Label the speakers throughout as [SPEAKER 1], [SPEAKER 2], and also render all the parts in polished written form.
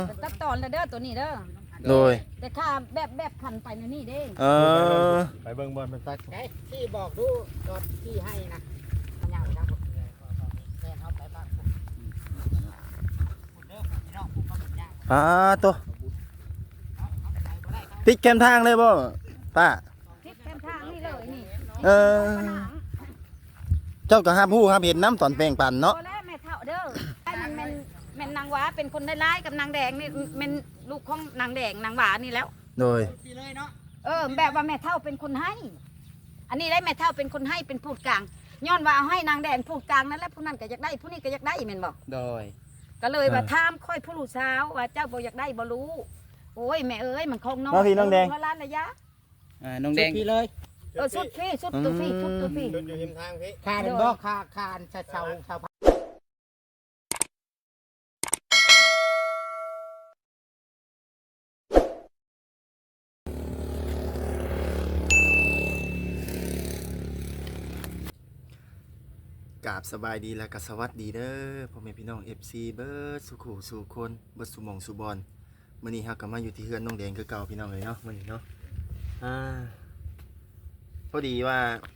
[SPEAKER 1] ตัดตอนแล้วเด้อตัวนี้เด้อ
[SPEAKER 2] โดย
[SPEAKER 1] แต่ข้าแบบขันไปในนี่เด้
[SPEAKER 3] ไปเบิ่งบอลเป็นตัก
[SPEAKER 4] ไอ้ที่บอกดูตอนที่ให้นะมันยาวจังผมแม่เขาไปบ้านผมเด้อพี่น้องผมก็เป็นยาก
[SPEAKER 2] ตัวติดแคมทางเลยบ่ป้า
[SPEAKER 1] ทิศแคมทางนี่เลยนี่
[SPEAKER 2] เออ เจ้าก็ห้ามผู้ห้ามเห็นน้ำตอนแปลงปั่นเนาะ
[SPEAKER 1] พอแล้วแม่เท่าเด้อไอ้มันแม่นนางหวาเป็นคนได้ร้ายกับนางแดงนี่แม่นลูกของนางแดงนางหวานี่แล้ว
[SPEAKER 2] โดย
[SPEAKER 4] พี่เลยเนาะ
[SPEAKER 1] แบบว่าแม่เท่าเป็นคนให้ อันนี้ได้แม่เท่าเป็นคนให้เป็นพูดกลางย้อนว่าเอาให้นางแดงพูดกลางนั่นแหละผู้นั้นก็อยากได้ผู้นี้ก็อยากได้แม่นบอก
[SPEAKER 4] โดย
[SPEAKER 1] ก็เลยว่าถามค่อยผู้ลูกสาวว่าเจ้าบ่อยากได้บ่รู้โอ้ยแม่เอ้ยมันคงน้อง
[SPEAKER 2] มาพี่น้องแดง
[SPEAKER 1] ร้านระยะ
[SPEAKER 4] น้องแดงพี่เลย
[SPEAKER 1] สุดพี่สุดตัวพี่สุดตัวพี่
[SPEAKER 3] จนอยู่ริมทางพี่
[SPEAKER 4] คาเป็นบ่คาชาว
[SPEAKER 2] กราบสบายดีและก็สวัสดีเด้อพ่อแม่พี่น้อง FC เบิร์ดสุขุสู่คนเบิร์ดสุหมองสุบอลมื้อนี้เฮาก็มาอยู่ที่เฮือนน้องแดงคือเก่าพี่น้องเลยเนาะมื้อนี้เนาะพอดีว่า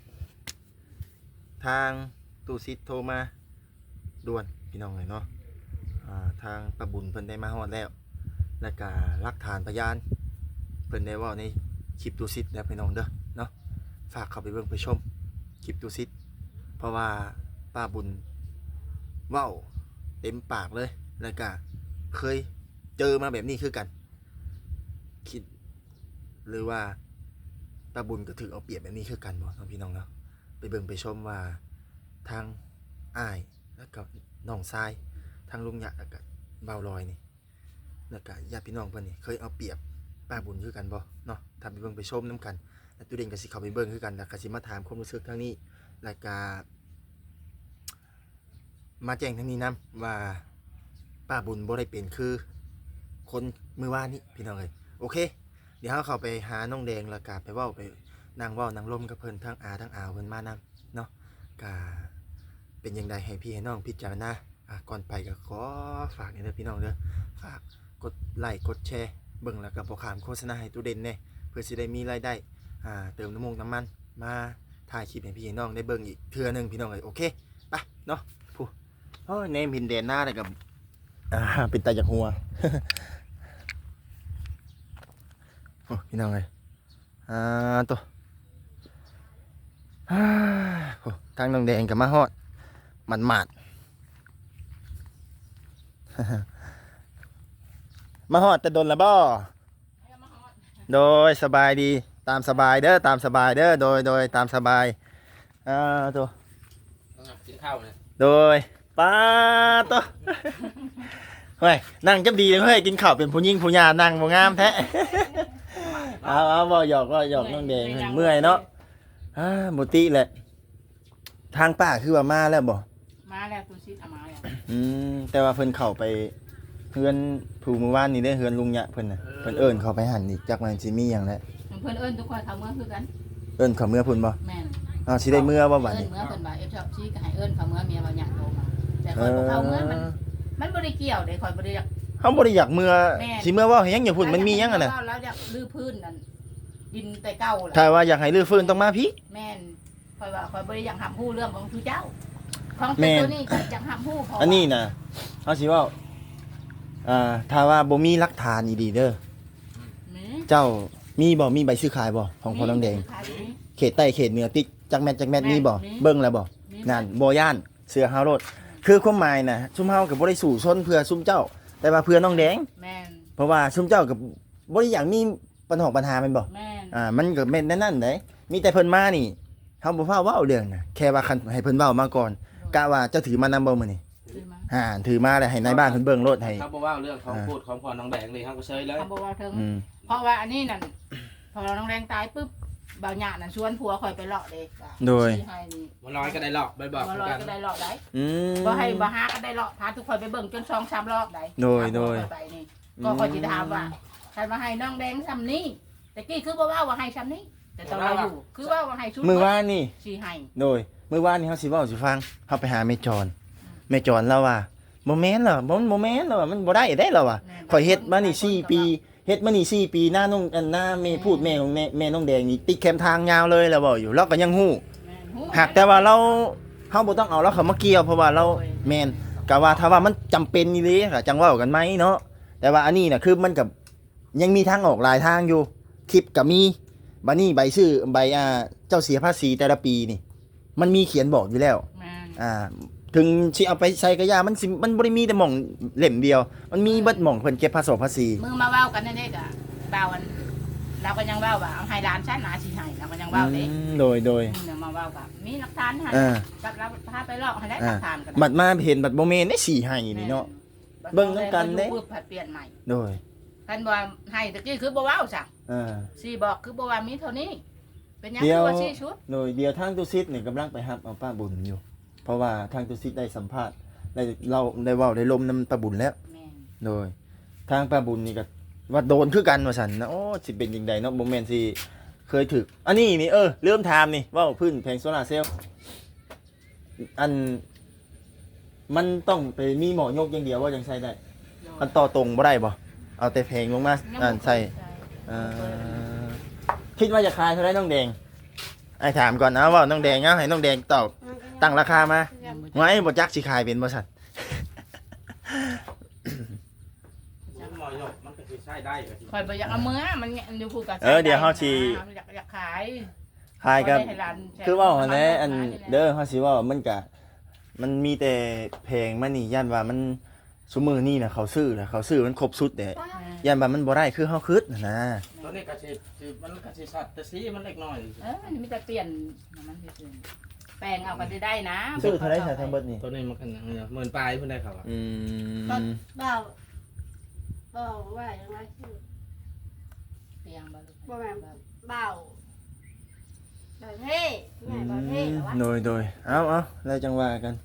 [SPEAKER 2] ทางตู้ซิดโทรมาด่วนพี่น้องเลยเนาะทางประบุญเพิ่นได้มาฮอดแล้วและก็หลักฐานพยานเพิ่นได้เว้าในคลิปตู้ซิดแล้วพี่น้องเด้อเนาะฝากเข้าไปเบิ่งไปชมคลิปตู้ซิดเพราะว่าป้าบุญเว้าเต็มปากเลยแล้วก็เคยเจอมาแบบนี้คือกันคิดหรือว่าป้าบุญก็ถือเอาเปรียบแบบนี้คือกันบ่น้องพี่น้องเนาะไปเบิ่งไปชมว่าทางอ้ายแล้วก็น้องชายทางลุงหยะแล้วก็เบาลอยนี่แล้วก็ญาติพี่น้องเพิ่นนี่เคยเอาเปรียบป้าบุญคือกันบ่เนาะทำไปเบิ่งไปชมน้ำกันแล้วตัวเด่นก็สิเข้าไปเบิ่งคือกันแล้วก็สิมาถามความรู้สึกทางนี้แล้วก็มาแจ้งทางนี้นํว่าป้าบุญบ่ได้เป็นคือคนมือว่านนี่พี่น้องเอ้ยโอเคเดี๋ยวเราเข้าไปหาน้องแดงแล้วก็ไปเว้าไปนั่งเว้านั่งร่มกับเพิ่นทั้งอาทั้งอาวเพิ่นมานำเนาะก็เป็นยังไงให้พี่ให้น้องพิจารณาก่อนไปก็ขอฝากนี่เด้อพี่น้องเด้อฝากกดไลค์กดแชร์เบิ่งแล้วก็บ่ข้ามโฆษณาให้ตู้เด่นแน่เพื่อสิได้มีรายได้เติมน้ำมันมาถ่ายคลิปให้พี่ให้น้องได้เบิ่งอีกเทื่อนึงพี่น้องเอ้ยโอเคไปเนาะผู้โอ้ยเนมพินเดนหน้าเลยกับเป็นตาจากหัว โอ้พี่น้องเอ้ยตัวทางน้องแดงกับมาฮอดมันหมาด มาฮอดแต่โดนละบ่โดยสบายดีตามสบายเด้อตามสบายเด้อโดยตามสบายตัว
[SPEAKER 4] กินข้าวเลย
[SPEAKER 2] โดยป้าตัว เฮ้ยนั่งจับดีเลยเฮ้ยกินข้าวเป็นผู้หญิงผู้หญิงนั่งบ่งามแท้ เอาบ่หยอกน้องแดงเมื่อยเนาะหมดติแหละทางป้าคือว่ามาแล้วบ่
[SPEAKER 4] มาแล้วตัวชิดเอามาแล้ว
[SPEAKER 2] แต่ว่าเพิ่นเข้าไปเฮือนผู้มื้อวานนี่ได้เฮือนลุงยะเพิ่นน่ะเพิ่นเอิ้นเข้าไปหันอีกจักมันสิมีหยังแหละ
[SPEAKER 4] เพื่อนเอิ้นทุกคนเขาเมื่อคือกัน
[SPEAKER 2] เอิ้นเข้าเมื่อพุ่นบ่
[SPEAKER 4] แม่น
[SPEAKER 2] สิได้เมื่อบ่บัด
[SPEAKER 4] เอิ้
[SPEAKER 2] นี้
[SPEAKER 4] นเมื่อเพิ่นว่าเอฟชอบชี้ก็ให้เอิ้นเขาเมื่อเมียว่าอยากโทรมาแต่คนบ่เขาเมื่อมันบ่ได้เกี่ยวเด้คอยบ่ได้อยาก
[SPEAKER 2] เฮาบ่ได้อยากเมื่อสิเมื่อว่าให้หยังอย่าพุ่นมันมีหยังอ่ะน่ะ
[SPEAKER 4] เราอยากลื้อพื้นนั่นดินแต่เก่าล่ะ
[SPEAKER 2] ถ้าว่าอยากให้รื้อฟื้นต้องมาพี่
[SPEAKER 4] แม่นคอยว่าคอยบ่ได้อยากหับฮู้เรื่องของผู้เจ้าของตัวนี้ก็อยากหับฮู้ของ
[SPEAKER 2] อันนี้น่ะเฮาสิเว้าถ้าว่าบ่มีหลักฐานอีดีเด้อเจ้ามีบ่มีใบซื้อขายบ่ของพ่อน้องแดงเขตใต้เขตเหนือติ๊กจักแม่นมีบ่เบิ่งแล้วบ่นั่นบ่ย่านเสือเฮาโลดคือความหมายน่ะซุมเฮาก็บ่ได้สู่ชนเพื่อซุมเจ้า แต่ว่าเพื่อน้องแดง
[SPEAKER 4] แม่น
[SPEAKER 2] เพราะว่าซุมเจ้าก็บ่ได้อยากมีปัญหาแม่นบ่
[SPEAKER 4] แม่น
[SPEAKER 2] มันก็แม่นนั่นเด้มีแต่เพิ่นมานี่เฮาบ่ฟ้าเว้าเรื่องน่ะแค่ว่าคันให้เพิ่นเว้ามาก่อนกะว่าเจ้าถือมานำบ่มื้อนี้ถือมาแล้วให้นายบ้านเพิ่นเบิ่งโลดให้
[SPEAKER 5] เขาบอกว่าเรื่องของพูดของพ่อน้องแดงเลยเขาก็เชยเลย
[SPEAKER 4] เขาบอกว่าเทิงเพราะว่าอันนี้นั่นพอน้องแดงตายปุ๊บบ่าวหยานั่นชวนผัวคอยไปเลาะเด็ก
[SPEAKER 5] มันลอยก็ได้หลอกไปบอก
[SPEAKER 4] มาลอย
[SPEAKER 5] กัน
[SPEAKER 4] ก็ได้เลาะได้บ่ให้บ่หาก็ได้เลาะพาทุกคนไปเบิ่งจน2-3รอบได้ไปนี่ก็คอยสิถามว่าใครมาให้น้องแดงซ้ำนี้แต่กี้คือบ่ว่าให้ซ้ำนี้แต่ตอนเราอยู่คือว่าให้ชุด
[SPEAKER 2] มื้อวานนี่
[SPEAKER 4] สิให้
[SPEAKER 2] โดยมื้อวานนี่เฮาสิเว้าสิฟังเฮาไปหาแม่จรแล้วว่าบ่แม่นเหรอบ่แม่นเหรอมันบ่ได้ได้เหรอวะข่อยเฮ็ดมานี่4 ปีเฮ็ดมานี่4 ปีหน้าน้องหน้าแม่พูดแม่ของแม่น้องแดงนี่ติดแคมทางยาวเลยแล้วบ่อยู่เราก็ยังฮู้
[SPEAKER 4] แม่นฮู้
[SPEAKER 2] หากแต่ว่าเราเฮาบ่ต้องเอาเราเข้ามาเกี่ยวเพราะว่าเราแม่นก็ว่าถ้าว่ามันจำเป็นอีหลีก็จังเว้ากันไหมเนาะแต่ว่าอันนี้น่ะคือมันก็ยังมีทางออกหลายทางอยู่คลิปก็มีบัดนี้ใบชื่อใบเจ้าเสียภาษีแต่ละปีนี่มันมีเขียนบอกอยู่แล้ว
[SPEAKER 4] แม่น
[SPEAKER 2] ถึงสิเอาไปใส่กระยามันบ่ได้มีแต่หม่องเล่มเดียว มันมีเบิดหม่องเพิ่นเก็บภาษี
[SPEAKER 4] มือมาเว้ากันนั่นเด้ก็เว้ากันเราก็ยังเว้าว่าเอาให้หลานฉันหาสิให้เราก็ยังเว้าเด้
[SPEAKER 2] โดย
[SPEAKER 4] เนี่ยมาเว้ากับมีหลักฐานให้
[SPEAKER 2] อ่า
[SPEAKER 4] กับเราพาไปลอกให้ได้หลักฐานกัน
[SPEAKER 2] บัดมาเห็นบัดบ่แม่นได้4ให้นี่เนาะ เบิ่งนำกันเด้
[SPEAKER 4] ปุ๊บผัดเปลี่ยนใหม่
[SPEAKER 2] โดย
[SPEAKER 4] ท่านว่าให้ตะกี้คือบ่เว้าซะ
[SPEAKER 2] อ่า
[SPEAKER 4] สิบอกคือบ่ว่ามีเท่านี้ เป็นหยัง
[SPEAKER 2] เดี๋
[SPEAKER 4] คื
[SPEAKER 2] ยว
[SPEAKER 4] อว่าสิชุด
[SPEAKER 2] โดยเดียวทางตุซิดนี่กำลังไปรับเอาป้าบุญอยู่ เพราะว่าทางตุซิดได้สัมภาษณ์ได้เราได้เว้าได้ลมนำป้าบุญแล้ว
[SPEAKER 4] แม่น
[SPEAKER 2] โดยทางป้าบุญนี่ก็ว่าโดนคือกันว่าซั่นนะโอ้สิเป็นจังไดเนาะบ่แม่นสิเคยถึกอันนี้นี่เริ่มถามนี่เว้าพื้นแผงโซล่าร์เซลล์อันมันต้องไปมีหมอยกอย่างเดียวว่าจังใช้ได้มันต่อตรงบ่ได้บ่เอาแต่แผงลงมาใส่คิดว่าจะขายเท่าไหร่น้องแดงไอ้ถามก่อนนะว่าน้องแดงเอาให้น้องแดงตอบตั้งราคามาไว้บ่จักสิขายเป็นบ่ซั่น
[SPEAKER 5] มันหมอยกมันก็สิใช้ได้ก็สิ
[SPEAKER 4] คอยบ่อยากเอามือมันอยู่พูดกับ
[SPEAKER 2] เดี๋ยวเฮาสิ
[SPEAKER 4] อยากขาย
[SPEAKER 2] ขายกับ
[SPEAKER 4] บ่ได้ให้หลานใช้
[SPEAKER 2] คือว่าหั่นแหละอันเด้อเฮาสิว่ามันก็มันมีแต่เพลงมันนี่ย่านว่ามันซุมื้อนี้น่ะเขาซื้อมันครบสุดเด้ย่านว่ามันบ่ได้คือเฮาคิดน่ะนะ
[SPEAKER 5] ตัวนี้ก็สิมันก็สิสัตว์แต่สีมันเล็กน้อย
[SPEAKER 4] มันมีแต่เปลี่ยนมันซื่อๆแปลงเอาก็ได้นะ
[SPEAKER 2] ซื้อเท่าไหร่ทั้งเบิดนี่
[SPEAKER 5] ตัวนี้มันกันหมื่นปลายเพิ่นได้เขาอ่ะ
[SPEAKER 6] เบาว่าอย่างไรคือ
[SPEAKER 4] เปลี่ยนบ่ลูก
[SPEAKER 6] บ่แม่นเบาเท่แม่เบาเท่เหรอวะ
[SPEAKER 2] โดยเอาแล้วจังว่ากัน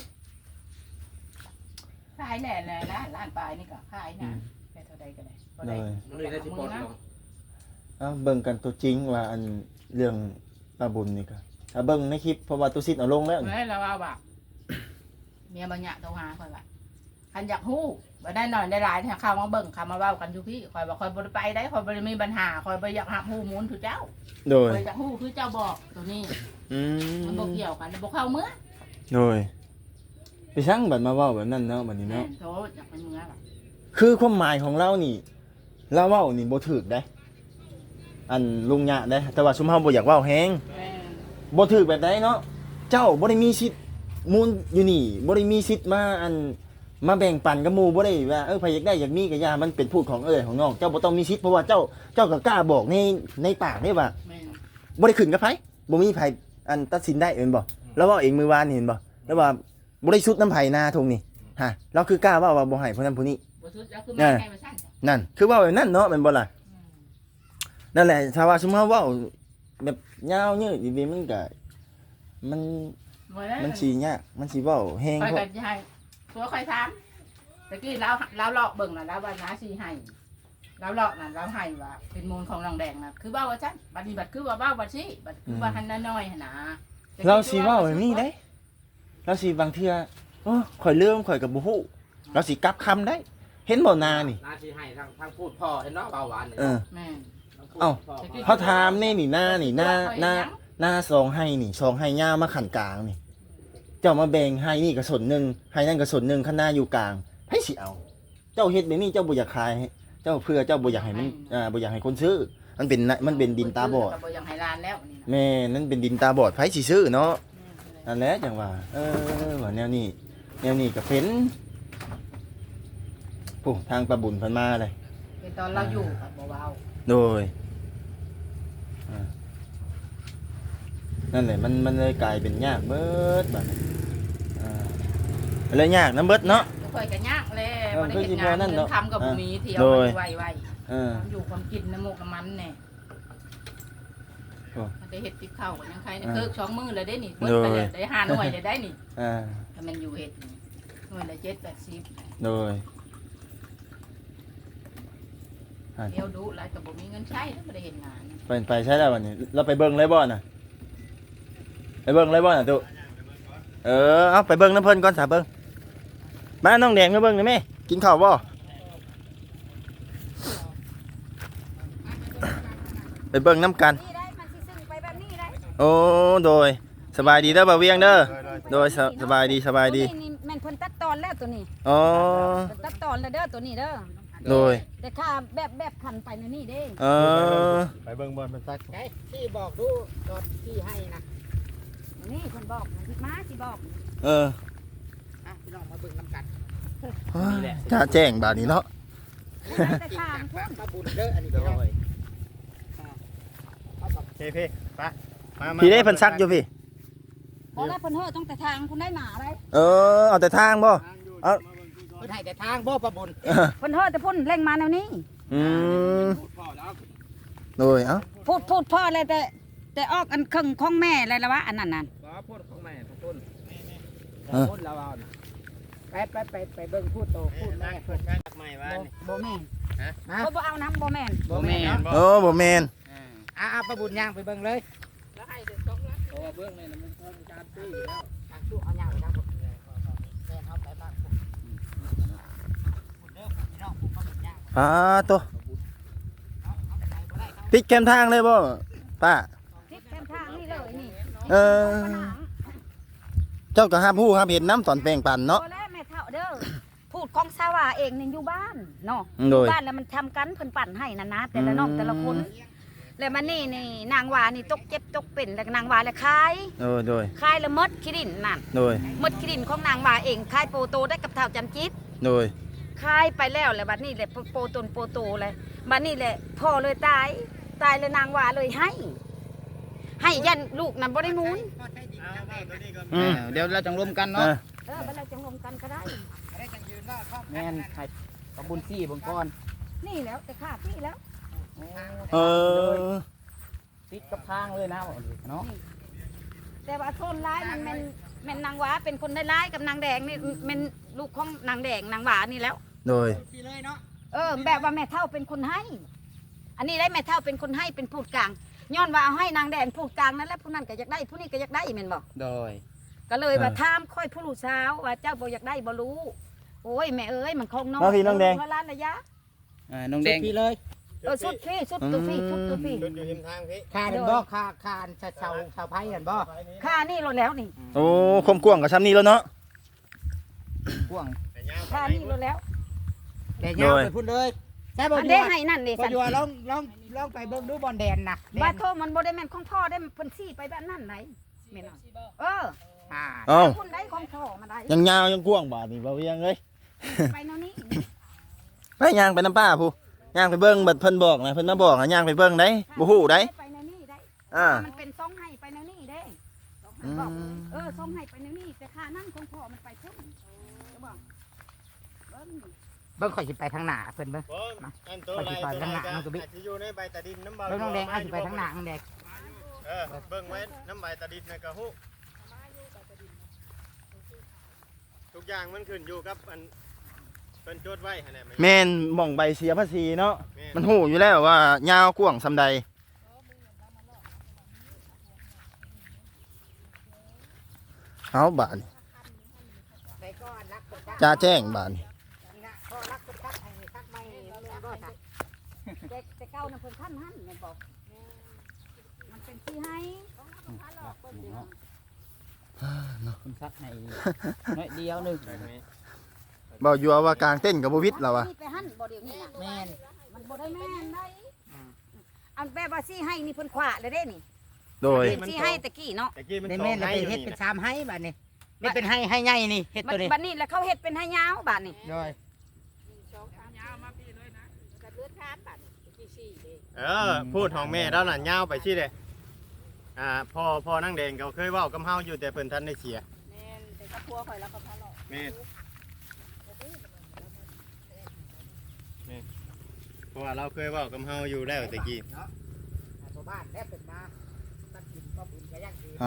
[SPEAKER 4] ขายแหน่เลยนะร้านปลายนี่ก็ขายนะแค่เท่าใดก็ได้บ่
[SPEAKER 2] โด
[SPEAKER 4] ได้
[SPEAKER 2] ย
[SPEAKER 5] มันเลยได้สิปลดลง
[SPEAKER 2] เอาเบิ่งกันตัวจริงว่าอันเรื่องป้าบุญนี่ก็ถ้าเบิ่งในคลิปเพราะว่าตุซิดเอาลงแล้วนี่
[SPEAKER 4] เฮ้ยเราว่าแบบเมียบัญญัติโทรหาคอยว่าคันอยากฮู้บ่ได้หน่อยได้หลายเนี่ยเข้ามาเบิ่งเข้ามาเว้ากันอยู่พี่คอยบอกคอยบ่ได้ไปได้คอยบ่ได้มีปัญหาคอยบ่อยากหับฮู้มูลทุกเจ้า
[SPEAKER 2] โดย
[SPEAKER 4] คอยอยากฮู้คือเจ้าบอกตัวนี้
[SPEAKER 2] อื
[SPEAKER 4] มันบ่
[SPEAKER 2] ม
[SPEAKER 4] เกี่ยวกันบ่เข้าเมื่อ
[SPEAKER 2] โดยไปช่างบัดมาเว้าแบบนั้นเนาะบัดนี้
[SPEAKER 4] แม่
[SPEAKER 2] เนาะ
[SPEAKER 4] โธ่อยากไปเมื่อล่ะ
[SPEAKER 2] คือความหมายของเรานี่เราเว้านี่บ่ถูกได้ อันลุงยะได้แต่ว่าซุมเฮาบ่อยากเว้าแฮง
[SPEAKER 4] แม่
[SPEAKER 2] บ่ถูกแบบใดเนาะเจ้าบ่ได้มีสิทธิ์มูลอยู่นี่บ่ได้มีสิทธิ์มาแบ่งปันกับหมู่บ่ได้ว่าไผอยากได้อยากมีก็อย่ามันเป็นพูดของของน้องเจ้าบ่ต้องมีสิทธิ์เพราะว่าเจ้าก็กล้าบอกในปากได้ว่า
[SPEAKER 4] แม่
[SPEAKER 2] บ่ได้ขึ้นกับไผบ่มีไผอันตัดสินได้เห็นบ่แล้วเว้าเองมื้อวานนี่เห็นบ่แล้วว่าบ่ได้ชุดน้ำไผนาทงนี่ฮะเราคือกล้าว่าบ่ให้ผู้นั้นผู้นี้
[SPEAKER 4] บ่สุดแล้วคือมาให้มาสั่นจ้ะ
[SPEAKER 2] นั่นคือเว้าแบบนั้นเนาะแม่นบ่ล่ะนั่นแหละถ้าว่าสมมุติว่าเว้าแบบยาวยืดดีๆมันก็มัน
[SPEAKER 4] บ่ได้
[SPEAKER 2] มันสิยากมันสิเว้าแฮง
[SPEAKER 4] คอย
[SPEAKER 2] พว
[SPEAKER 4] กั
[SPEAKER 2] ก
[SPEAKER 4] นให้ตัวคอยถามตะกี้เราเลาะเบิ่งน่ะแล้วว่าน้าสิให้เราเลาะน่ะเราให้ว่าเป็นมูลของรองแดงน่ะคือเว้าว่าซั่นบัดนี้บัดคือว่าเว้าบัดสิบัดคือว่าหันน้อยๆหั่นน่ะ
[SPEAKER 2] เราสิเว้าแบบนี้ได้เราสิบางเทื่อโอ้ข่อยลืมข่อยก็บ่ฮู้เราสิกลับคำได้ เห็นบ่นานี่
[SPEAKER 5] หน้าที่ให้ทางพูดพ่อเห็นเนาะเบาหวานนี่
[SPEAKER 2] เออ
[SPEAKER 4] แม่น
[SPEAKER 2] เอ้า เขาถามนี่หน้านี่หน้าซองให้นี่ซองให้ย่ามาขันกลางนี่เจ้ามาแบ่งให้นี่ก็ส่วนหนึงให้นั่นก็ส่วนหนึงข้างหน้าอยู่กลางให้สิเอา เจ้าเฮ็ดแบบนี้เจ้าบ่อยากขายให้เจ้าเพื่อเจ้าบ่อยากให้มันบ่อยากให้คนซื้อมันเป็นดินตาบอด
[SPEAKER 4] ก็บ่ยังให้ร้านแล้วนี่นะ
[SPEAKER 2] แม่นั่นเป็นดินตาบอดไผสิซื้อเนาะนั่นแหละจังว่าว่าแนวนี้ก็เป็นผู้ทางประบุญเพิ่นมาเลย
[SPEAKER 4] เป็นตอนเราอยู่กับบ่เว้า
[SPEAKER 2] โดยนั่นแหละมันเลยกลายเป็นยากเบิดบัดนี้เลยยากน้ำเบิดเนาะ
[SPEAKER 4] บ่ค่อยก็ยากแล
[SPEAKER 2] เออ
[SPEAKER 4] บ่ได้เฮ็ด
[SPEAKER 2] คือสิ
[SPEAKER 4] งาน
[SPEAKER 2] บ่นั่น
[SPEAKER 4] เงิ
[SPEAKER 2] เนาะ
[SPEAKER 4] นทำกับบ่มีเที่ยว
[SPEAKER 2] โดย
[SPEAKER 4] ไว้
[SPEAKER 2] เออ
[SPEAKER 4] ความอยู่ความกินน้ำมูกน้ำมันแน่
[SPEAKER 2] โอ้
[SPEAKER 4] มันได้เฮ็ดติดข้าวก็ยังใครเนี่ยเคิก2มื้อเลยเด้นี่เบิด
[SPEAKER 2] โดย
[SPEAKER 4] ไปเลยได้5หน่วยเลยได้นี่
[SPEAKER 2] อ่า
[SPEAKER 4] ถ้ามันอยู่เฮ็ดนี่หน่วยละ7-80
[SPEAKER 2] โดย
[SPEAKER 4] เที่ยวดุหลายก็บ่มีเงินใช้แล้วบ่ได้เฮ็ดงาน
[SPEAKER 2] ไปใช่แล้ววันนี้เราไปเบิ่งเลยบ่น่ะไปเบิ่งเลยบ่น่ะตุเอาไปเบิ่งน้ำเพิ่นก่อนสาเบิ่งมาน้องแดงมาเบิ่งได้ไหมกินข้าวบ่ไปเบิ่งน้ำกัน
[SPEAKER 1] นี่ได้มันสิซึ่งไปแบบนี้ได้
[SPEAKER 2] โอ้โดยสบายดีเด้อบ่าวเวียงเด้อโดยสบายดีสบายดี
[SPEAKER 1] ตัวนี้นี่แม่นเพิ่นตัดตอนแล้วตัวนี้
[SPEAKER 2] อ๋อ
[SPEAKER 1] เพิ่นตัดตอนแล้วเด้อตัวนี้เด้อ
[SPEAKER 2] โดย
[SPEAKER 1] แต่ข้าแบบขันไปในนี่เด้
[SPEAKER 2] เออ
[SPEAKER 3] ไปเบิ่งบอลเป็นตัก
[SPEAKER 4] ที่บอกดูตอนที่ให้นะ
[SPEAKER 1] นี่เพิ่นบอกมาสิบอก
[SPEAKER 2] เออ
[SPEAKER 4] พี่น้องมาเบิ่งน้ำกัน
[SPEAKER 2] จะแจ้งบาดนี้เนาะ
[SPEAKER 1] แต่ข้ามพุ่น
[SPEAKER 4] มาบุญเด้ออันนี้พี่น้อง
[SPEAKER 3] พี่ไปมา
[SPEAKER 2] พี่ได้เพิ่นซักอยู่พี่
[SPEAKER 1] พอแล้วเพิ่นเฮ้อต้องแต่ทางคุณได้หมาได้
[SPEAKER 2] เออเอาแต่ทางบ่ เอา
[SPEAKER 4] เพิ่นให้แต่ทางบ่ประบุญ
[SPEAKER 1] เพิ่นเฮ้อแต่พุ่นเร่งมาแนวนี้
[SPEAKER 2] อืมโดยเอ้า
[SPEAKER 1] พูดพ่อเลยแต่ออกอันครึ่งของแม่เลยละวะอันนั้นน่ะ
[SPEAKER 4] บ่พูดของแม่พูด
[SPEAKER 2] เออ
[SPEAKER 4] พูดแล้วเอาไปเบิ่งพูดโตพูดแม่เพิ่น
[SPEAKER 3] ใหม่บ้าน
[SPEAKER 1] บ่แม่น
[SPEAKER 4] ฮะ
[SPEAKER 1] บ่เอาน้ำบ่แม่น
[SPEAKER 4] บ่แม่น
[SPEAKER 2] โอ้บ่แม่น
[SPEAKER 4] ประบุญย่างไปเบิ่งเลยแล้วให้เด็กต้องรักโอ้เบิ่งนี่มันต้องการซื้ออยู่แล้วตู้เอาย่างไปทางผมแม่เฮาไปบ้านผมเด้อพี่น้องผมมาเบิ่งย่าง
[SPEAKER 2] ตัวปิดแคมทางเลยบ่ป้า
[SPEAKER 1] ทิศแคมทางนี่เลยนี่
[SPEAKER 2] เออ เจ้าก็ห้ามฮู้ห้ามเห็นน้ำตอนแปลงปั่นเนาะ
[SPEAKER 1] พอแล้วแม่เฒ่าเด้อพูดของสาวาเองนี่อยู่บ้านเนาะ
[SPEAKER 2] โดย
[SPEAKER 1] บ้านแล้วมันทำกันเพิ่นปั่นให้นะนะแต่ละน้องแต่ละคน แล้วมันนี่นางวานี่ตกเจ็บตกเป็นแล้วนางวาแล้วคาย
[SPEAKER 2] โดย
[SPEAKER 1] คายแล้วมดขี้ดินนั่น
[SPEAKER 2] โดย
[SPEAKER 1] มดขี้ดินของนางวาเองคายโปโตได้กับเท่าจันจิต
[SPEAKER 2] โดย
[SPEAKER 1] คายไปแล้วแล้วบัดนี้แหละโปตนโปโตเลยบัดนี้แหละพ่อเลยตายเลยนางวาเลยให้ยันลูกนั่นบ่ได้มูล
[SPEAKER 2] อืม
[SPEAKER 4] เดี๋ยวเราจังรวมกัน
[SPEAKER 2] เอ
[SPEAKER 4] เนาะ
[SPEAKER 2] อ
[SPEAKER 1] บัดเราจะรวมกันก็ได้
[SPEAKER 4] แม่นให้ประบุญซี่เบิ่งก่อน
[SPEAKER 1] นี่แล้วแต่ข้าที่แล้ว
[SPEAKER 2] เออ
[SPEAKER 4] ติดกับทางเลยนะเนาะ
[SPEAKER 1] แต่ว่าโซนร้ายมันแม่นนางวาเป็นคนได้ร้ายกับนางแดงนี่แม่นลูกของนางแดงนางหวานี่แล้ว
[SPEAKER 2] โดย
[SPEAKER 1] แบบว่าแม่เท่าเป็นคนให้ อันนี้ได้แม่เท่าเป็นคนให้เป็นพูดกลางย้อนว่าเอาให้นางแดงพูดกลางนั่นแหละผู้นั้นก็อยากได้ผู้นี้ก็อยากได้แม่นบอก
[SPEAKER 4] โดย
[SPEAKER 1] ก็เลยว่าถามค่อยผู้ลูกสาวว่าเจ้าบ่อยากได้บ่รู้โอ้ยแม่เอ้ยมันคงน้อย
[SPEAKER 2] มาพี่น้องแดง
[SPEAKER 1] เวลาระยะ
[SPEAKER 4] น้องแดงพี่เลย
[SPEAKER 1] สุดพี่สุดตัวพี่สุดตัวพี่
[SPEAKER 3] จุดอยู่ริมทางพี่
[SPEAKER 4] ค่าเดินบ่ค่าชาวไผ่เห็นบ่
[SPEAKER 1] ค่านี่ลดแล้วนี่
[SPEAKER 2] โอ้คมกว้างกับซ้ำนี้แล้วเนาะ
[SPEAKER 4] กว้าง
[SPEAKER 3] แต่ยาว
[SPEAKER 1] ค่านี่ลดแล้ว
[SPEAKER 4] แต่ยาวไปพุ่นเลยใช่บ่
[SPEAKER 1] อัน
[SPEAKER 4] ดี
[SPEAKER 1] ได้ให้นั่นนี่
[SPEAKER 4] บ่
[SPEAKER 1] สัน
[SPEAKER 4] อยู่ลองไปเบิ่งดูบอลแดนนะ
[SPEAKER 1] บาโทมันบ่ได้แม่นของพ่อได้เพิ่นซี่ไปแบบนั้นไหนแม่นบ่เออ
[SPEAKER 2] เอ้า
[SPEAKER 1] คุณได้ของพ่อมาได้
[SPEAKER 2] ยังยาวยังกว้างบาดนี่บ่เวียงเอ้ย
[SPEAKER 1] ไปแนวนี้
[SPEAKER 2] ไปย่างไปน้ำป้าผู้ย่างไปเบิ่งบัดเพิ่นบอกนะเพิ่นมาบอกนะย่างไปเบิ่งได้บ่ฮู้ได้
[SPEAKER 1] ไปแนวนี้ได้
[SPEAKER 2] อ่า
[SPEAKER 1] มันเป็นซองให้ไปแนวนี้เด้
[SPEAKER 2] อืม
[SPEAKER 1] บอกซองให้ไปแนวนี้แต่ค่านั่นของพ่อมันไปพุ่นจะบอกเบิ่ง
[SPEAKER 4] เบิ่งข่อยสิไปทางหน้าเพิ่นเบิ่ง
[SPEAKER 3] บอลอันตัวไรตัวไรกันอาจจะอยู่ในใบตาดินน้ำเบา
[SPEAKER 4] เบิ่งน้องแดงเอาสิไปทางหน้าน้องแดง
[SPEAKER 3] เบิ่งไว้น้ำใบตาดินนะกะฮู้ทุกอย่างมันขึ้นอยู่กับอันเป็นโจทย์ไว้หั่นแหละ
[SPEAKER 2] แม่นหม่องใบเสียภาษีเนาะ
[SPEAKER 3] แม่
[SPEAKER 2] มันฮู้อยู่แล้วว่ายาวกว้างซำใดเอาบาดนี่
[SPEAKER 4] ไปก่อนรักคน
[SPEAKER 2] จ้าแจ้งบาดนี่
[SPEAKER 4] พ่อรักคนตักให้ตักไม่บ่ซะ
[SPEAKER 1] แต่เก้าน่ะเพิ่นท่านหั่นแม่นบอกมันเป็นที่ให้
[SPEAKER 4] คุณซักให้น้อยเดียวนึง
[SPEAKER 2] บ่อยู่ว่ากลางเต้นกับบ่วิทย์แล้ววะ
[SPEAKER 1] ไปหั่นบ่เดี๋ยวนี้น่ะ
[SPEAKER 4] แม่น
[SPEAKER 1] มันบ่ได้แม่นได้อันแบบว่าซี่ให้นี่เพิ่นขวาเลยเด้นี่
[SPEAKER 2] โดย
[SPEAKER 1] เป็นซี่ให้ตะกี้เนาะ
[SPEAKER 3] ตะกี้มัน
[SPEAKER 4] ได้
[SPEAKER 3] สอ
[SPEAKER 4] แม่
[SPEAKER 3] ง
[SPEAKER 4] นแล้ว
[SPEAKER 3] ให้
[SPEAKER 4] ไป
[SPEAKER 3] อยู่
[SPEAKER 4] เฮ็ด
[SPEAKER 3] นี่
[SPEAKER 4] เป็น
[SPEAKER 3] นะ
[SPEAKER 4] 3ให้บัดนี้ไม่เป็นให้ใหญ่นี่เฮ็ดตัวนี้
[SPEAKER 1] บัดนี้แล้วเขาเฮ็ดเป็นให้ยาวบาดนี่
[SPEAKER 4] โดย
[SPEAKER 3] พูดของแม่แล้วน่ะยาวไปชี้เลยพ่อนั่งแดงเขาเคยเว้ากับเฮาอยู่แต่เพิ่นทันได้เสีย
[SPEAKER 1] แม่นแต่ก็พัวข่อยแล้วก็พาหลอก
[SPEAKER 3] แม่เพราะว่าเราเคยเว้ากับเฮาอยู่แล้วตะกี้
[SPEAKER 4] ตัวบ้านแล้วเป็นมาตัดกินก็บุญก็ยังดี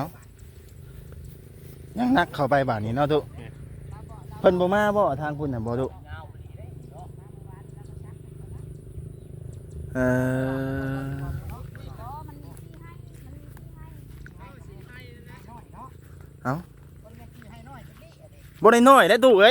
[SPEAKER 2] ยังนักเข้าไปบาดนี้เนาะตุเพิ่นบ่มาบ่ทางพุ่นน่ะบ่ตุเออ
[SPEAKER 1] มันมีซี่ให้มันมีซี่ให้
[SPEAKER 2] บ่ได้น้อยได้ตุเอ้ย
[SPEAKER 4] อ่า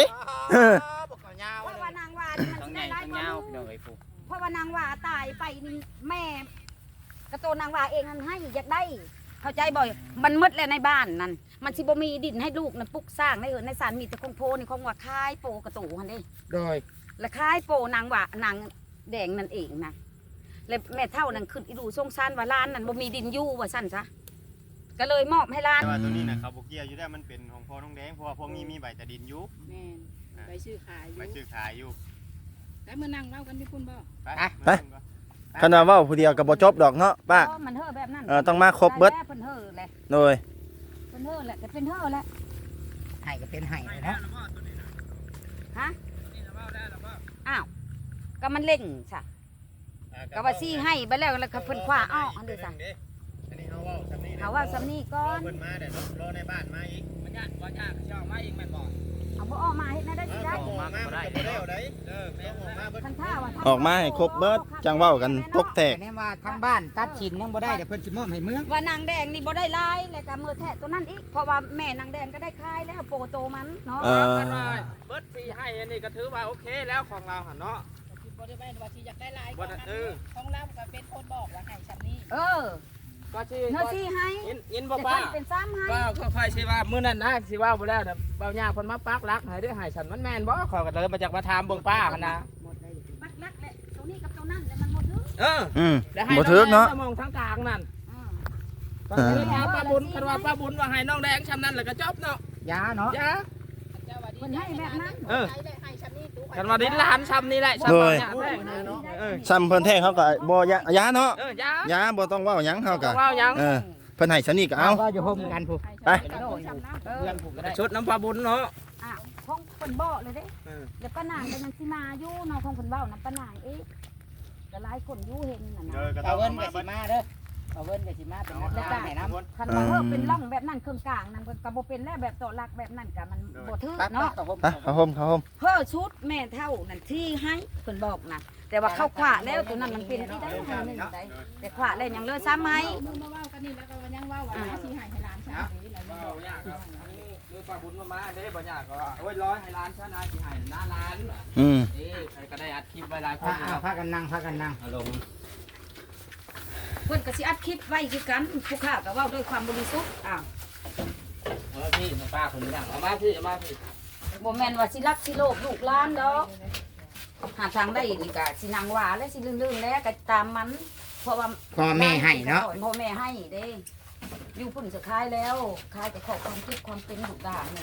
[SPEAKER 3] บอกเขายาว
[SPEAKER 1] เพราะว่านางว่านี่มัน
[SPEAKER 7] ทั้ง
[SPEAKER 1] สิ
[SPEAKER 7] ใหญ่
[SPEAKER 1] ได้หลาย
[SPEAKER 7] ทั้ง
[SPEAKER 1] กว่าย
[SPEAKER 7] าว
[SPEAKER 1] หมู่
[SPEAKER 7] พี่น้องเอ้ยผู้
[SPEAKER 1] เพราะว่านางว่าตายไปนี่แม่กระโตนางว่าเองมันให้อยากได้ เข้าใจบ่อยมันมืดแล้วในบ้านนั่นมันสิบ่มีดินให้ลูกนั่นปลูกสร้างได้ในศาลมีแต่คงโพนี่คงว่าคายโปกระตูหั่นเด้
[SPEAKER 4] โดย
[SPEAKER 1] และคายโปนางว่านางแดงนั่นเองนะแล้วแม่เฒ่านั่นขึ้นอีดูสงสารว่าร้านนั่นบ่มีดินอยู่ว่าซั่นซะก็เลยมอบให้ร้าน
[SPEAKER 3] แต่ว่าตัวนี้น่ะเขาบ่เกี่ยวอยู่แล้วมันเป็นของพ่อน้องแดงเพราะว่าพวกนี้มีใบตะดินอยู่
[SPEAKER 8] แม่นไปชื่อขายอ
[SPEAKER 3] ใบ
[SPEAKER 8] ยู่
[SPEAKER 3] ชื่อขายอยู่
[SPEAKER 8] แต่เมื่อนั่งเล่ากันที่คุณบ่
[SPEAKER 2] ไป คันว่าเว้าผู้เดียวก็บ่จบดอกเนาะป้า
[SPEAKER 1] อ๋อมันเฮ้อแบบนั้น
[SPEAKER 2] ต้องมาครบเบิด
[SPEAKER 1] ได้แล้วเพิ่นเฮ้อแหละ
[SPEAKER 2] โดย
[SPEAKER 1] เพิ่นเฮ้อแหละก็เป็นเฮ้อแหละ
[SPEAKER 4] ให้ก็เป็นให้เลยเนาะ
[SPEAKER 1] ฮะอ้าวก็มันเล่งซะก็ว่าซี่ให้ไปแล้วแล้วก็เพิ่นคว้าอ้ออันเด้อซะ
[SPEAKER 3] อันนี้เขาเว้าสำนี้
[SPEAKER 1] เอาว่าสำนี้ก่อน
[SPEAKER 3] เพิ่นมาแต่รอในบ้านมาอีก
[SPEAKER 7] มันยากบ่ยากสิเอามาเองแม่นบ่
[SPEAKER 1] เอาบ่ออกมาเฮ็ดได้สิได้
[SPEAKER 3] ออกมาบ่ได้แล้วได้ต้องออกมาเบิด
[SPEAKER 1] คันท่าว่า
[SPEAKER 2] ออกมาให้ครบเบิดจังเว้ากันตกแตก
[SPEAKER 4] แต่เนี่ยว่าทางบ้านตัดฉินยังบ่ได้เดี๋ยวเพิ่นสิมอบให้เมือง
[SPEAKER 1] ว่านางแดงนี่บ่ได้ลายแล้วก็มือแทะตัวนั้นอีกเพราะว่าแม่นางแดงก็ได้คายแล้วโปโตมันเนาะ
[SPEAKER 7] กันว่าเบิดสิให้อันนี้ก็ถือว่าโอเคแล้วของเราหั่นเนาะ
[SPEAKER 8] บ่ได้แม่นว่าสิอยากได้หลาย
[SPEAKER 7] บ่ได้
[SPEAKER 8] ของเราก็เป็นคนบอกว่าให้ซำนี้
[SPEAKER 1] เออ
[SPEAKER 7] ก็สิ
[SPEAKER 1] เนื้อซี่ให้
[SPEAKER 7] ยินบ่
[SPEAKER 1] แต่
[SPEAKER 7] ป้า
[SPEAKER 1] ท่านเป็นซ้ำให้
[SPEAKER 7] ว่าค่อยๆสิว่ามื้อนั้นนะสิว่าบ่แล้วน่ะเบาหญ้าเพิ่นมาปักหลักให้ด้วยให้ฉันมันแม่นบ่ขอยก็เลยมาจากมาถามเบิ่งป้าหั่นนะ
[SPEAKER 1] ปักลักแหละตัวนี้กับตัวนั้นแล้วมันหมดเลย
[SPEAKER 7] เออ แล้วให้
[SPEAKER 2] บ่ถึกเนาะ
[SPEAKER 7] มองทางกลางนั่น
[SPEAKER 1] อืม
[SPEAKER 7] ก็คือถามป้าบุญคันว่าป้าบุญว่าให้น้องแดงชำนั้นแล้วก็จบเนาะ
[SPEAKER 4] ยาเนาะ
[SPEAKER 7] จ้า
[SPEAKER 8] เจ้าว่าดี
[SPEAKER 1] เพิ่นให้แบบนั้น
[SPEAKER 7] เออ
[SPEAKER 8] ใจได้ให้ซำนี้ตู้
[SPEAKER 7] กันว่าดินหลานชำนี่แหละชำ
[SPEAKER 2] โดย
[SPEAKER 7] เนี่ยแพงเออ
[SPEAKER 2] ซ้ำเพิ่นแท้เขาก็บ่ยาเนาะ
[SPEAKER 7] จ้าย
[SPEAKER 2] าบ่ต้องเว้าหยังเฮาก็
[SPEAKER 7] ว่าหยัง
[SPEAKER 2] เพิ่นให้ซะนี่ก็เอา
[SPEAKER 4] ว่าอยู่ห่มกันผู้
[SPEAKER 2] ไป
[SPEAKER 1] เออ
[SPEAKER 7] เพื่อนผมก็ได้ชุดน้ำป้าบุญเนาะ
[SPEAKER 1] อ้าวของเพิ่นบ่เลยเด้
[SPEAKER 7] เออ
[SPEAKER 1] เดี๋ยวป้านางก็ยังสิมาอยู่เนาะของเพิ่นเว้านํป้านางอีกก็หลายคนอยู่เห็นน่ะนะ
[SPEAKER 3] ก็ต้
[SPEAKER 4] เอา
[SPEAKER 3] อง
[SPEAKER 4] เงิน
[SPEAKER 3] มา
[SPEAKER 4] ก็สิมาเด้อเอาเงินก็สิมาเป็นนัก
[SPEAKER 1] แล้วก็
[SPEAKER 4] ล่าให้น้ำ
[SPEAKER 1] คันว่าเฮอเป็นร่องแบบนั้นเครื่องกลางนั่นเพิ่นก็บ่เป็นแล้วแบบต่อหลักแบบนั้นก็มันบ่ถึก
[SPEAKER 4] ปั๊บ
[SPEAKER 1] เนาะ
[SPEAKER 4] ต่อผม
[SPEAKER 2] ไปเข้าห่มเข้าห่ม
[SPEAKER 1] เพื่อชุดแม่เท่านั่นที่ให้เพิ่นบอกนะแต่ว่าเข้าขวาแล้วตัวนั้นมันเป็นที่ได้ให้หนึ่งได้แต่ขวาแล้วยังเหลือซ้ำไหม
[SPEAKER 8] มือมาเว้ากันนี่แล้วก็ยังเว้าว่าสิให้หลานซำนี้แล้ว
[SPEAKER 7] บ่ยากครับมือป้าบุญมาเด้บ่ยากก็ว่าโอ้ยร้อยให้ล้านชนะสิให้หน้าล้าน
[SPEAKER 2] อืม
[SPEAKER 7] ใครก็ได้อัดคลิปไว้หลายค
[SPEAKER 4] พาน พากันนั่งพากันนั่ง
[SPEAKER 7] อารมณ์
[SPEAKER 1] เพิ่นก็สิอัดคลิปไว้คือกันผู้ข้าก็เว้าด้วยความบริสุทธิ์อ้าว
[SPEAKER 7] พี่ป้าคนนี้เอามาพี่เอามาพี่
[SPEAKER 1] บ่แม่นว่าสิรักสิโลภลูกหลานดอกหาทางได้นี่ก็สินางว่าและสิลื่นๆแล้วก็ตามมัน เพราะว่า
[SPEAKER 4] พ่อแม่ให้เนาะ
[SPEAKER 1] พ่อแม่ให้เด้อยู่พุ่นสุดท้ายแล้วคายแต่ขอความคิดความเป็นลูกด่านนี่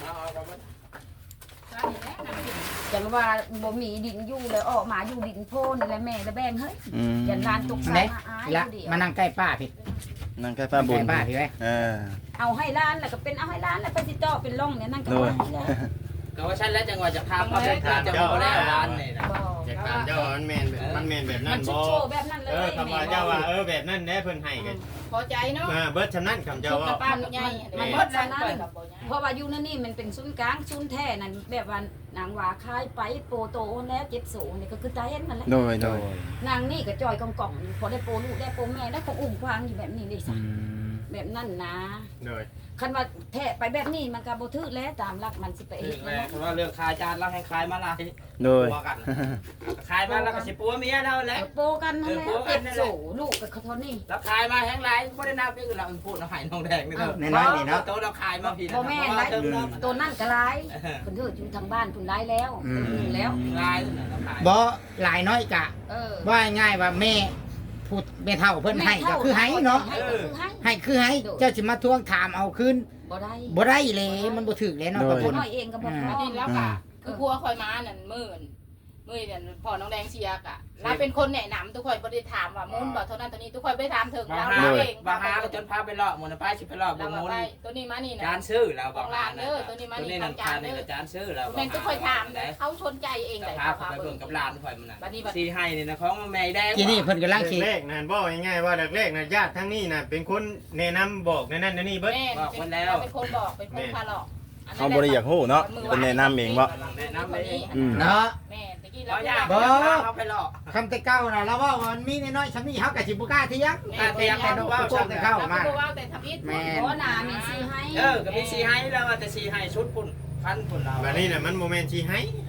[SPEAKER 1] จังว่าบ่มีดินอยู่เลยออกมาอยู่ดินโพนี่แหละแม่และแบ่งเฮ้ย
[SPEAKER 2] อืม
[SPEAKER 1] ยันลานตก
[SPEAKER 4] ไหน
[SPEAKER 1] สายมาอาย
[SPEAKER 4] ละ
[SPEAKER 1] อยู่เดียว
[SPEAKER 4] มานั่งใกล้ป้าพี่
[SPEAKER 2] นั่งใกล้ป้าบุญ
[SPEAKER 4] ใกล้ป้าพี่ไว้
[SPEAKER 1] เอาให้ร้านแล้วก็เป็นเอาให้ร้านแล้วไปสิเจาะเป็นร่องเนี่ยนั่นก็
[SPEAKER 2] โดย
[SPEAKER 1] ว่าแล้ว
[SPEAKER 7] ก็ว่าฉันแล้วจังหวะจะทำมาเป็นทางจะมาแล้วร้านนี่นะ
[SPEAKER 1] บ่
[SPEAKER 3] อยากถามเจ้าว่ามันแม่นแบบนั้น
[SPEAKER 1] มันชุ
[SPEAKER 3] บ่
[SPEAKER 1] ดโชว์แบบนั้นเลย
[SPEAKER 3] คำว่าเจ้าว่าแบบนั้นแน่เพิ่นให้กัน
[SPEAKER 8] พอใจเนาะ
[SPEAKER 3] เบิดชำนั้นคำเจ้าว่า
[SPEAKER 8] ป้าใหญ่
[SPEAKER 1] มันหมดแล้วนั่นเพราะว่าอยู่นั่นนี่มันเป็นศูนย์กลางศูนย์แท้นั่นแบบว่านางว่าคายไปโปโตแล้วเจ็บสูงนี่ก็คือตาเห็นนั่นแหละ
[SPEAKER 2] โดยโดย
[SPEAKER 1] นางนี่ก็จอยกองๆอยู่พอได้โปลูกได้โปแม่ได้ของอุ้มควางอยู่แบบนี้เลย
[SPEAKER 2] อื
[SPEAKER 1] ซะ
[SPEAKER 2] ม
[SPEAKER 1] แบบนั้นนะ
[SPEAKER 3] เลย
[SPEAKER 1] คันว่าแทะไปแบบนี้มันก็บ่ถือแล้วตามหลักมันสิไปเฮ็ด
[SPEAKER 7] แล้
[SPEAKER 1] แล้ว
[SPEAKER 7] เพราะว่าเรื่องคายจานเราให้คายมาละ
[SPEAKER 2] โดย
[SPEAKER 7] ปัวกันคายมาแล้วก็สิปัวเมียเราแหละ
[SPEAKER 1] โปกันนั่นแหละเจ็บโสลูกกับเขาเท่านี้
[SPEAKER 7] แล้วคายมาแห้งไรไม่ได้นับนี่คือเราพูดเราหายน้องแดงนี่เรา
[SPEAKER 4] ในน้อยนี่เนาะ
[SPEAKER 7] โตเราคายมาพี่
[SPEAKER 1] บ่แม่นได้ตัวนั่นก็ร้ายเพิ่นเถิดอยู่ทางบ้านเพิ่นร้ายแล้วเป็นหนึ่งแล้ว
[SPEAKER 7] ลายเราคาย
[SPEAKER 4] บ่หลายน้อยกะ
[SPEAKER 1] เออ
[SPEAKER 4] ว่าง่ายว่าแม่พูดแม่เฒ่าเพิ่นให้ก็คือให้เนาะ
[SPEAKER 1] ให้ก็คือให้
[SPEAKER 4] ให้คือให้เจ้าสิมาทวงถามเอาคืน
[SPEAKER 1] บ่ได้
[SPEAKER 4] บ่ได้เลยมันบ่ถึกเลยเนาะ
[SPEAKER 2] โดย
[SPEAKER 4] กับ
[SPEAKER 1] ค
[SPEAKER 4] คน น
[SPEAKER 1] น้อยเองก็บ่พอ
[SPEAKER 8] ดินแล้วก็คือพัวคอยมานั่นมื่นเนี่ยพ่อน้องแดงเชียกะเราเป็นคนแนะนำทุกคนบ่ได้ถามว่ามูลบ่เท่านั้นตัวนี้ทุกคนบ่ได้ถามถึง
[SPEAKER 7] บาง
[SPEAKER 8] เรา
[SPEAKER 7] หา
[SPEAKER 8] เอง
[SPEAKER 7] บางหาก็จนพาไปเลาะหมดนะป้าชิไปเลาะบ
[SPEAKER 8] เรา
[SPEAKER 7] ง
[SPEAKER 8] มา
[SPEAKER 7] มูล
[SPEAKER 8] ไปตัวนี้มานี่นะ
[SPEAKER 7] จานซื้อแล้วบางหา
[SPEAKER 8] ตัวนี้มานี่
[SPEAKER 7] ตัวนี้นั่นคานี่จานซื้อแล้ว
[SPEAKER 8] แม่นทุกคนถามเขาชนใจเอง
[SPEAKER 7] กับ
[SPEAKER 8] เลย
[SPEAKER 7] พาไปเบิ่งกับหลานข่อยมันน่ะ
[SPEAKER 8] บัดนี้บัด
[SPEAKER 7] สีให้นี่นะของแม่แดง
[SPEAKER 4] ทีนี้เพิ่นกำลังสิ
[SPEAKER 3] แรกนั่นบอกง่ายๆว่าแรกๆนะญาติทั้งนี้นะเป็นคนแนะนำบอกนั่นนี่เบิด
[SPEAKER 8] แม่เป็นคนบอกเป็นคนพาหลอก
[SPEAKER 2] เขาบ่ได้อยากฮู้เนาะเป็นแนะนำเองบ่
[SPEAKER 7] แนะนำเอง
[SPEAKER 2] อืม
[SPEAKER 4] เนาะ
[SPEAKER 8] แม่ตะกี้
[SPEAKER 7] เรา
[SPEAKER 8] เรา
[SPEAKER 7] อยาก
[SPEAKER 4] บ่
[SPEAKER 7] เขาไปเลาะ
[SPEAKER 4] คำแต่เก่าน่ะเราว่ามันมีน้อยๆซำนี้เฮาก็สิบ่กล้าเถียง
[SPEAKER 7] เตียงไปดูว่า
[SPEAKER 4] โกงแต่เข้ามา
[SPEAKER 8] เราว่าแต่ทำอิฐ
[SPEAKER 4] แม่
[SPEAKER 1] บ่น่ามีสิให้
[SPEAKER 7] ก็มีสีให้แล้วแต่สีให้ชุดปุ่นพันปุ่นเรา
[SPEAKER 3] แบบนี้น่ะมันโมเมนต์ที่ให้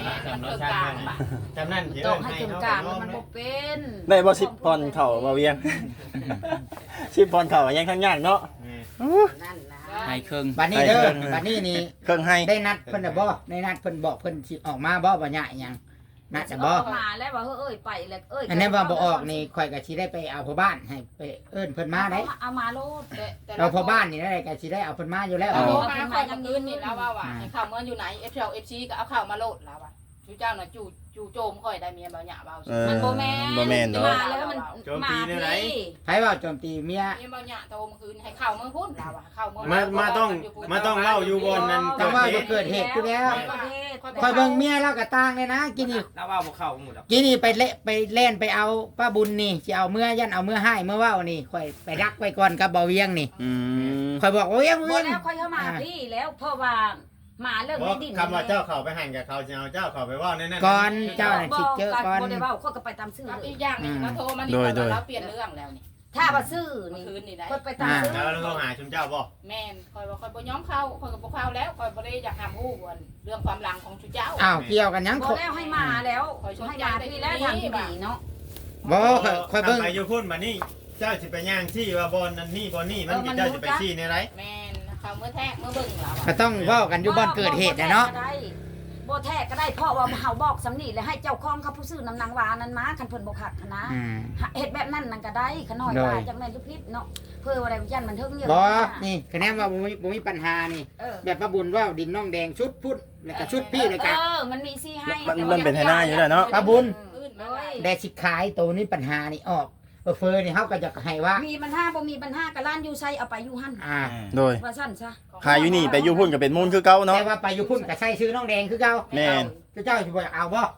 [SPEAKER 3] จำรสชาติมันจำนั่นสิ
[SPEAKER 1] ต้
[SPEAKER 3] เอิ้
[SPEAKER 1] อง
[SPEAKER 3] น
[SPEAKER 1] ให้
[SPEAKER 3] ให้
[SPEAKER 1] กึ่ง
[SPEAKER 3] เฮาก
[SPEAKER 1] ลาง
[SPEAKER 3] ก็
[SPEAKER 1] มัน
[SPEAKER 3] น้อ
[SPEAKER 1] บ่
[SPEAKER 3] ม
[SPEAKER 1] เป็น
[SPEAKER 2] ได้บ่10ปอนด์เข้าบ่เวียง 10ปอนด์เข้ายังทั้งยากเนาะ
[SPEAKER 1] นั่นนะ
[SPEAKER 7] ให้ครึ่ง
[SPEAKER 9] บัดนี้เด้อบัดนี้นี่
[SPEAKER 2] เครื่องให้
[SPEAKER 9] ได้นัดเพิ่นน่ะบ่ได้นัดเพิ่นบอกเพิ่นสิออกมาบ่บ่ยะอิหยังน่าจะบ่
[SPEAKER 1] มาแล้วว่าเอ้ยไปแล้วเอ้ย
[SPEAKER 9] อันนี้ว่าบ่ออกนี่ข่อยก็สิได้ไปเอาพ่อบ้านให้ไปเอิ้นเพิ่นมาได้
[SPEAKER 1] เอามาโลด
[SPEAKER 9] เราพ่อบ้านนี่ได้ก็สิได้เอาเพิ่นมาอยู่แล้ว
[SPEAKER 8] เราโทรมาคอยยังยืนนี่แล้วว่าให้ข่าวเมื่ออยู่ไหน FC ก็เอาข่าวมาโหลดแล้วว่าชูเจ้าน่ะจู่โจมค่อยได้เมียบ่หยาเบา
[SPEAKER 1] มันบ่แม่น
[SPEAKER 2] บ่แม่นเนาะ
[SPEAKER 1] มาแล้วมันมาพี่
[SPEAKER 9] ไผว่าโจมตีเมีย
[SPEAKER 8] เมียบ่หยาโทรเมื่อคืนให้ข่าวเมื่อพุ่นแล้วว่าข่าวเมื่อ
[SPEAKER 3] มาต้องเล่าอยู่บนนั้น
[SPEAKER 9] แต่ว่าเกิดเหตุอยู่แล้วข่อยเบิ่งเมียเราก็ต่างเลยนะกินนี่
[SPEAKER 7] แล้วว่าบ่เข้าหมดดอก
[SPEAKER 9] กินนี่ไปเล่นไปเอาป้าบุญนี่สิเอาเมื่อยันเอาเมื่อให้เมื่อว่าวนี่ข่อยไปรักไว้ก่อนกับบ่เวียงนี่
[SPEAKER 2] อืม
[SPEAKER 9] ข่อยบอกว่าเวียง
[SPEAKER 1] บ่
[SPEAKER 9] เวียง
[SPEAKER 1] แล้วค่อยเข้ามาพี่แล้วเพราะว่ามาเรื่อง
[SPEAKER 3] บ่
[SPEAKER 1] ไม่ดิน
[SPEAKER 3] คำว่าเจ้าเข้าไปหันกับเขาจะเอาเจ้าเข้าไปว่าแน่ๆ
[SPEAKER 9] ก่อนเจ้าน่ะสิเจอก่อน
[SPEAKER 1] บ่ได้เว้าเขาก็ไปตามซื่อ
[SPEAKER 8] กับ
[SPEAKER 1] เลย
[SPEAKER 8] อีกอย่างนึงเราโทรมานี่เราเปลี่ยนเรื่องแล้วนี่
[SPEAKER 1] ถ้าว่าซื่อ
[SPEAKER 8] เมื่อ
[SPEAKER 1] นี่
[SPEAKER 8] คืนนี่ได้
[SPEAKER 1] คนไปตามซื่อ
[SPEAKER 3] แล้วเราหาชุมเจ้าบ่
[SPEAKER 8] แม่นคอยว่าคอยบ่ย้อมเข้าคอยก็บ่เข้าแล้วคอยบ่ได้อยากหามฮู้เรื่องความหลังของชูเจ้า
[SPEAKER 9] อ้าวเกี่ยวกันยัง
[SPEAKER 1] บ่แล้วให้มาแล้วให้มาพี่แล้วทางที่ดีเนาะ
[SPEAKER 9] บ่ข่อยเบิ่ง
[SPEAKER 3] ไปอยู่พุ่นมานี่เจ้าสิไปย่างที่ว่าบอนนั้นนี่บอนนี่มันเจ้าจะไปชี้ในไร
[SPEAKER 8] แม่นเขาเมื่อแท้เมื่อเบิ่งแล้ว
[SPEAKER 9] ก็ต้องเว้ากันอยู่บ่อนเกิดเหตุนะเนาะ
[SPEAKER 1] บ่แท้ก็ได้เพราะว่าเฮาบอกสำนีแล้วให้เจ้าของเขาผู้ซื้อน้ำนางวานั้นมาคันเพิ่นบ่คักนะ
[SPEAKER 9] อืม
[SPEAKER 1] เฮ็ดแบบนั้นนั่นก็ได้ขน้อยว่าจังได๋ลูกพิษเนาะเพื่อว่าได้ยันมันเทิงเยอะ
[SPEAKER 9] บ่นี่คะแนนว่าบ่มีปัญหานี่
[SPEAKER 1] เออ
[SPEAKER 9] แบบป้าบุญว่าดินน้องแดงชุดพุ่นแล้วก็ชุดพี่เลยกัน
[SPEAKER 1] มันมีซี่ให้
[SPEAKER 2] มันเป็นไฮหน้าอยู่แล้วเนาะ
[SPEAKER 9] ป้าบุญ
[SPEAKER 1] เลย
[SPEAKER 9] ได้สิขายตัวนี้ปัญหานี่ออกเฟอนี่เฮาก็จะให้ว่า
[SPEAKER 1] มีปัญหาบ่มีปัญหาก็ร้านอยู่ไสเอาไปอยู่หั่น
[SPEAKER 2] โดย
[SPEAKER 1] ว่าซั่นซะ
[SPEAKER 2] ขายอยู่นี่ไปอยู่พุ่นก็เป็นมูลคือเก่าเนาะ
[SPEAKER 9] แต่ว่าไปอยู่พุ่นก็ใส่ชื่อน้องแดงคือเก่า
[SPEAKER 2] แม่น
[SPEAKER 9] เจ้าสิบ่อยากเอาบ่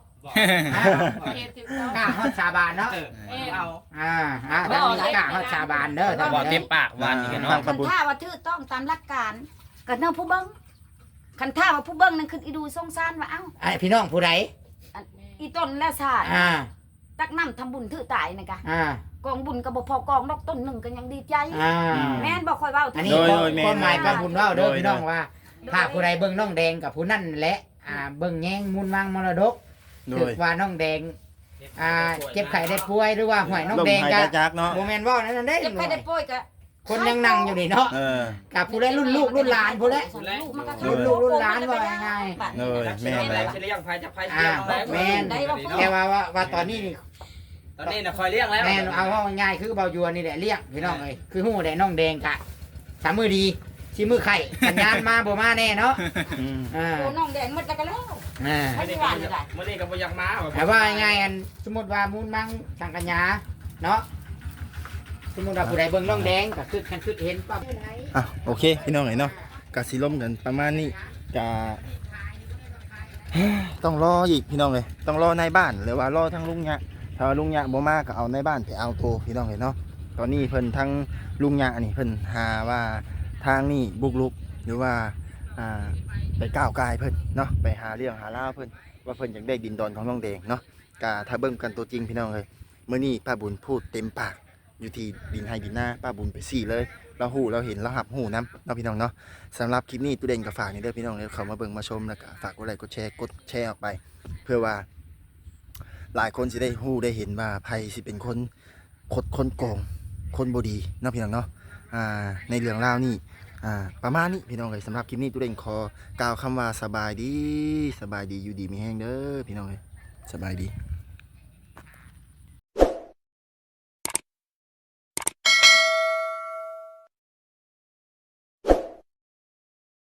[SPEAKER 9] กล้าฮอดสาบานเนาะ
[SPEAKER 8] เอา
[SPEAKER 9] ทางนี้กล้าฮอดสาบานเด้อทาง
[SPEAKER 7] บ่
[SPEAKER 9] นี้
[SPEAKER 7] เต็มปากวันนี้กัน
[SPEAKER 2] ทา
[SPEAKER 7] เนาะ
[SPEAKER 2] งประบุญ
[SPEAKER 1] ถ้าว่าถูกต้องตามหลักการก็เนาะผู้เบิ่งคันถ้าว่าผู้เบิ่งนั่นคืออีดูสงสารว่าเอ้า
[SPEAKER 9] ไอ้พี่น้องผู้ใด
[SPEAKER 1] อีต้นและชาติ
[SPEAKER 9] อ่า
[SPEAKER 1] ตักน้ำทำบุญถือตายนั่นกะ
[SPEAKER 9] อ่าก
[SPEAKER 1] องบุญก็บ่พอกองดอกต้นหนึงก็ยังดีใจ
[SPEAKER 9] อ่า
[SPEAKER 1] แม่นบ่ค่อยเว้า
[SPEAKER 9] อันนี้ความหมายป้าบุญว่าเด้อพี่น้องว่าถ้าผู้ใดเบิ่งน้องแดงกับผู้นั่นแหละเบิ่งแย่งมูลวางมรดก
[SPEAKER 2] โด
[SPEAKER 9] ถือย ว่าน้องแดงเจ็บไข้ได้ป่วยหรือว่าหวยน้อง
[SPEAKER 2] ลม
[SPEAKER 9] แดง
[SPEAKER 2] หาย
[SPEAKER 9] ก็
[SPEAKER 2] ใจจักเนาะ
[SPEAKER 9] โมเมนต์ว่านั่นเด้
[SPEAKER 1] เจ็บไข้ได้ป่วยก็
[SPEAKER 9] คนยังนั่งอยู่นี่เนาะ
[SPEAKER 2] เออ
[SPEAKER 9] กับผู้ใดรุ่นลูกรุ่นหลานผู้ใด
[SPEAKER 1] ลูกมันก็
[SPEAKER 9] รุ่นลูกรุ่นหลานว่าง่าย
[SPEAKER 2] โดยแม่น
[SPEAKER 7] แล้
[SPEAKER 2] แล้ว ว
[SPEAKER 7] สิเลี้ยงไผจับไผ
[SPEAKER 9] อ่าแม่นแต่ว่าตอนนี้นี่
[SPEAKER 7] ตอนนี้น่ะคอยเลี้ยงแล้ว
[SPEAKER 9] แม่นเอาว่าง่ายคือเบายัวนี่แหละเรียกพี่น้องเอ้ยคือฮู้ได้น้องแดงกะสามมือดีสิมือไข่สัญญาณมาบ่มาแน่เนาะ
[SPEAKER 2] อืม
[SPEAKER 1] โอ้น้องแดงหมดแล้วก็แล้ว
[SPEAKER 7] มื้อนี้ก็บ่อยากมา
[SPEAKER 9] แต่ว่าง่ายอันสมมติว่ามูลมังทางกัญญาเนาะสมมติว่าผู้ใดเบิ่งน้องแดงก็คือคันคือเห็นปั๊บ
[SPEAKER 2] อ่ะโอเคพี่น้องเอ๋ยเนาะกะสิล้มกันประมาณนี้กะ ต้องรออีกพี่น้องเลยต้องรอในบ้านหรือว่ารอทั้งลุงยะถ้าลุงยะบ่มาก็เอาในบ้านไปเอาโตพี่น้องเลยเนาะตอนนี้เพิ่นทั้งลุงยะนี่เพิ่นหาว่าทางนี่บุกรุกหรือว่าไปก้าวกายเพิ่นเนาะไปหาเรื่องหาล่าวเพิ่นว่าเพิ่นอยากได้ดินดอนของน้องแดงเนาะกะถ้าเบิ่งกันตัวจริงพี่น้องเลยมื้อนี้ป้าบุญพูดเต็มปากอยู่ที่ดินให้ดินหน้าป้าบุญไปซี่เลยเราหูเราเห็นเราหับหูน้ำเนาะพี่น้องเนาะสำหรับคลิปนี้ตู้เด่นกับฝากนี่เด้อพี่น้องเลยเขามาเบิ่งมาชมแล้วก็ฝากกดไลค์กดแชร์ออกไป เพื่อว่าหลายคนสิได้หูได้เห็นว่าไผสิเป็นคนโกงคนบ่ดีเนาะพี่น้องเนาะในเรื่องราวนี้ประมาณนี้พี่น้องเลยสำหรับคลิปนี้ตู้เด่นขอกล่าวคำว่าสบายดีอยู่ดีมีแห้งเด้อพี่น้องเลยสบายดี